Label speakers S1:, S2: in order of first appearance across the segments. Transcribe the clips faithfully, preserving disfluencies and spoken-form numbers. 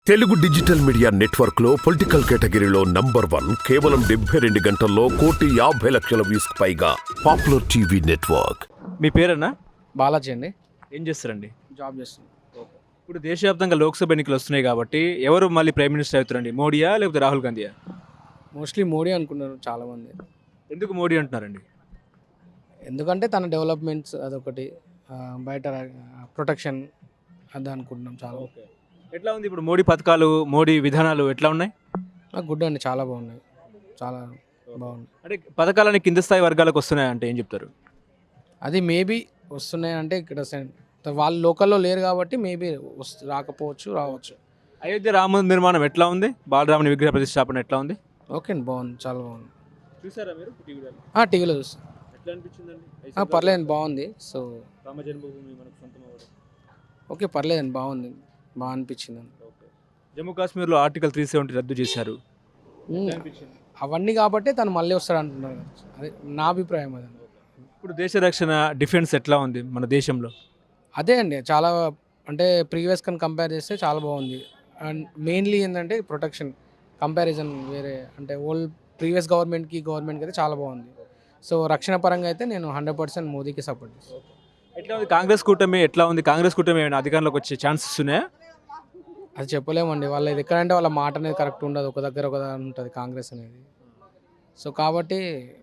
S1: Telugu digital media network లో political కేటగిరీలో number one కేవలం డెబ్బై రెండు గంటల్లో కోటి యాభై లక్షల వ్యూస్ పైగా పాపులర్ టీవీ నెట్వర్క్.
S2: మీ పేరన్నా?
S3: బాలాజీ అండి.
S2: ఏం చేస్తారండి?
S3: జాబ్ చేస్తున్నాను.
S2: ఇప్పుడు దేశవ్యాప్తంగా లోక్సభ ఎన్నికలు వస్తున్నాయి కాబట్టి ఎవరు మళ్ళీ ప్రైమ్ మినిస్టర్ అవుతారండి? మోడీయా లేకపోతే రాహుల్ గాంధీయా?
S3: మోస్ట్లీ మోడీ అనుకున్నారు చాలామంది.
S2: ఎందుకు మోడీ అంటున్నారండి?
S3: ఎందుకంటే తన డెవలప్మెంట్స్ అదొకటి, ఆ, బయట ప్రొటెక్షన్ అది అనుకుంటున్నాం చాలా.
S2: ఓకే, ఎట్లా ఉంది ఇప్పుడు మోడీ పథకాలు, మోడీ విధానాలు ఎట్లా ఉన్నాయి?
S3: నాకు గుడ్ అండి, చాలా బాగున్నాయి, చాలా బాగున్నాయి.
S2: అంటే పథకాలని కింద స్థాయి వర్గాలకు వస్తున్నాయంటే ఏం చెప్తారు?
S3: అది మేబీ వస్తున్నాయి అంటే ఇక్కడ సెన్- వాళ్ళు లోకల్లో లేరు కాబట్టి మేబీ వస్తు రాకపోవచ్చు, రావచ్చు.
S2: అయోధ్య రామ మందిర నిర్మాణం ఎట్లా ఉంది? బాలరాముని విగ్రహ ప్రతిష్టాపన ఎట్లా ఉంది?
S3: ఓకే అండి, బాగుంది, చాలా బాగుంది.
S2: చూసారా మీరు టీవీలో?
S3: టీవీలో చూస్తాను.
S2: ఎట్లా అనిపించిందండి?
S3: పర్లేదండి, బాగుంది. సో
S2: రామ జన్మభూమి మనకు సొంతం అవ్వడం.
S3: ఓకే, పర్లేదండి, బాగుంది, బాగా అనిపించింది.
S2: ఓకే, జమ్మూ కాశ్మీర్లో ఆర్టికల్ త్రీ సెవెంటీ రద్దు చేశారు.
S3: ఉమ్, అవన్నీ కాబట్టి తను మళ్ళీ వస్తాడు అంటున్నారు కదా. అదే నా అభిప్రాయం అదండి.
S2: ఇప్పుడు దేశ రక్షణ, డిఫెన్స్ ఎట్లా ఉంది మన దేశంలో?
S3: అదే అండి, చాలా అంటే ప్రీవియస్ కన్ కంపేర్ చేస్తే చాలా బాగుంది. అండ్ మెయిన్లీ ఏంటంటే ప్రొటెక్షన్ కంపారిజన్ వేరే, అంటే ఓల్డ్ ప్రీవియస్ గవర్నమెంట్కి గవర్నమెంట్కి అయితే చాలా బాగుంది. సో రక్షణ పరంగా అయితే నేను హండ్రెడ్ పర్సెంట్ మోదీకి సపోర్ట్ చేస్తాను.
S2: ఎట్లా ఉంది కాంగ్రెస్ కూటమి? ఎట్లా ఉంది కాంగ్రెస్ కూటమి? ఏమైనా అధికారంలోకి వచ్చే ఛాన్సెస్ ఉన్నాయా?
S3: అది చెప్పలేమండి, వాళ్ళ ఇది ఎక్కడంటే వాళ్ళ మాట అనేది కరెక్ట్ ఉండదు, ఒక దగ్గర ఒక దగ్గర ఉంటుంది కాంగ్రెస్ అనేది. సో కాబట్టి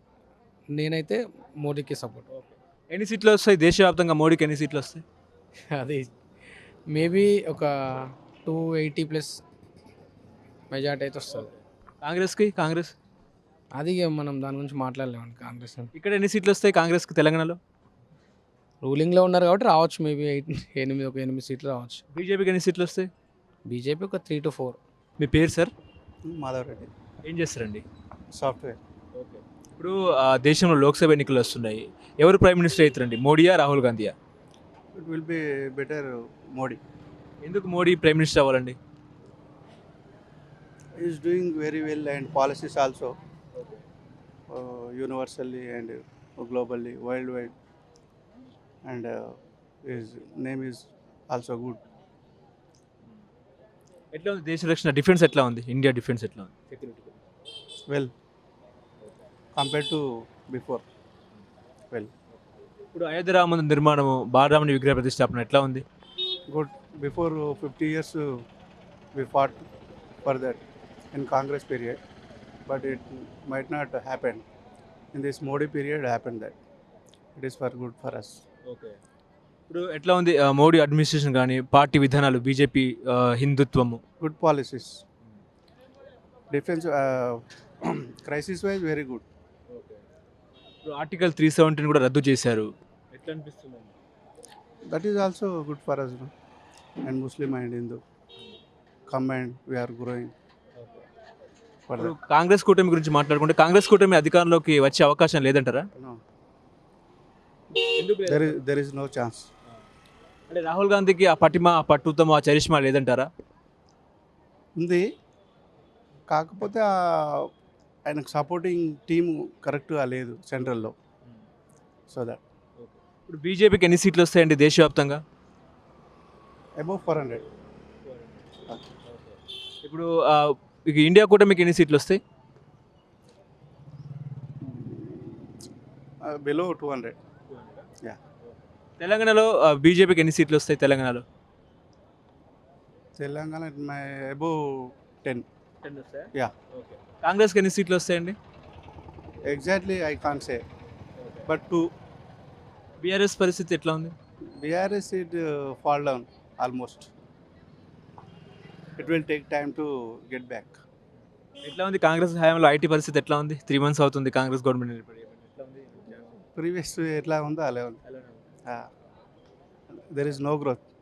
S3: నేనైతే మోడీకి సపోర్ట్.
S2: ఎన్ని సీట్లు వస్తాయి దేశవ్యాప్తంగా? మోడీకి ఎన్ని సీట్లు వస్తాయి?
S3: అది మేబీ ఒక టూ ఎయిటీ ప్లస్ మెజార్టీ అయితే వస్తుంది.
S2: కాంగ్రెస్కి? కాంగ్రెస్
S3: అది ఇక మనం దాని గురించి మాట్లాడలేమండి. కాంగ్రెస్
S2: ఇక్కడ ఎన్ని సీట్లు వస్తాయి కాంగ్రెస్కి తెలంగాణలో?
S3: రూలింగ్లో ఉన్నారు కాబట్టి రావచ్చు, మేబీ ఎయిట్ ఎనిమిది ఒక ఎనిమిది సీట్లు రావచ్చు.
S2: బీజేపీకి ఎన్ని సీట్లు వస్తాయి?
S3: బీజేపీ ఒక త్రీ టు ఫోర్.
S2: మీ పేరు సార్?
S4: మాధవ్ రెడ్డి,
S2: ఏం చేస్తారండి?
S4: సాఫ్ట్వేర్.
S2: ఓకే, ఇప్పుడు ఆ, దేశంలో లోక్సభ ఎన్నికలు వస్తున్నాయి. ఎవరు ప్రైమ్ మినిస్టర్ అవుతారండి? మోడీయా, రాహుల్ గాంధీయా?
S4: It will be better Modi.
S2: ఎందుకు మోడీ ప్రైమ్ మినిస్టర్ అవ్వాలండి?
S4: Is doing very well and policies also universally and globally world wide and his name is also good.
S2: ఎట్లా ఉంది దేశ రక్షణ, డిఫెన్స్ ఎట్లా ఉంది? ఇండియా డిఫెన్స్ ఎట్లా ఉంది? Security
S4: well compare to before well
S2: ఇప్పుడు అయోధ్య రామ మందిర నిర్మాణము, బాలరాముని విగ్రహ ప్రతిష్టాపన ఎట్లా ఉంది?
S4: Good. Before fifty years we fought for that in Congress period, but it might not happen in this Modi period happen that it is for good for us.
S2: Okay, ఇప్పుడు ఎట్లా ఉంది ఆ, మోడీ అడ్మినిస్ట్రేషన్ కానీ పార్టీ విధానాలు, బీజేపీ హిందుత్వము?
S4: Good policies. Defense uh, crisis wise very good.
S2: ఇప్పుడు article three సెవెంటీని కూడా రద్దు చేశారు. ఎట్లా అనిపిస్తుంది?
S4: That is also good for us, no? And Muslim and Hindu combined we are growing for
S2: ఇప్పుడు
S4: that.
S2: కాంగ్రెస్ కూటమి గురించి మాట్లాడుకుంటే కాంగ్రెస్ కూటమి అధికారంలోకి వచ్చే అవకాశం లేదంటారా?
S4: No,
S2: ఎందుకు
S4: there is there is no chance.
S2: అంటే రాహుల్ గాంధీకి ఆ పటిమ, ఆ పట్టుతమ, ఆ చరిష్మా లేదంటారా?
S4: ఉంది, కాకపోతే ఆ- ఆయనకు సపోర్టింగ్ టీమ్ కరెక్ట్గా లేదు సెంట్రల్లో. సో దట్
S2: ఇప్పుడు బీజేపీకి ఎన్ని సీట్లు వస్తాయండి దేశవ్యాప్తంగా?
S4: Above four hundred.
S2: ఇప్పుడు ఆ, ఇక ఇండియా కూటమికి ఎన్ని సీట్లు వస్తాయి?
S4: Below two hundred. యా.
S2: తెలంగాణలో బీజేపీకి ఎన్ని సీట్లు వస్తాయి తెలంగాణలో?
S4: Telangana may above ten. Yeah.
S2: కాంగ్రెస్కి ఎన్ని సీట్లు వస్తాయండి?
S4: Exactly I can't say, but two.
S2: BRS పరిస్థితి ఎట్లా ఉంది?
S4: B R S it uh, fall down almost. It will take time to get back.
S2: ఎట్లా ఉంది కాంగ్రెస్ హయాంలో ఐటీ పరిస్థితి ఎట్లా ఉంది? త్రీ మంత్స్ అవుతుంది కాంగ్రెస్ గవర్నమెంట్ ఏర్పడి. ఎట్లా ఉంది?
S4: Previous ఎట్లా ఉందో అలా ఉంది. There is no growth.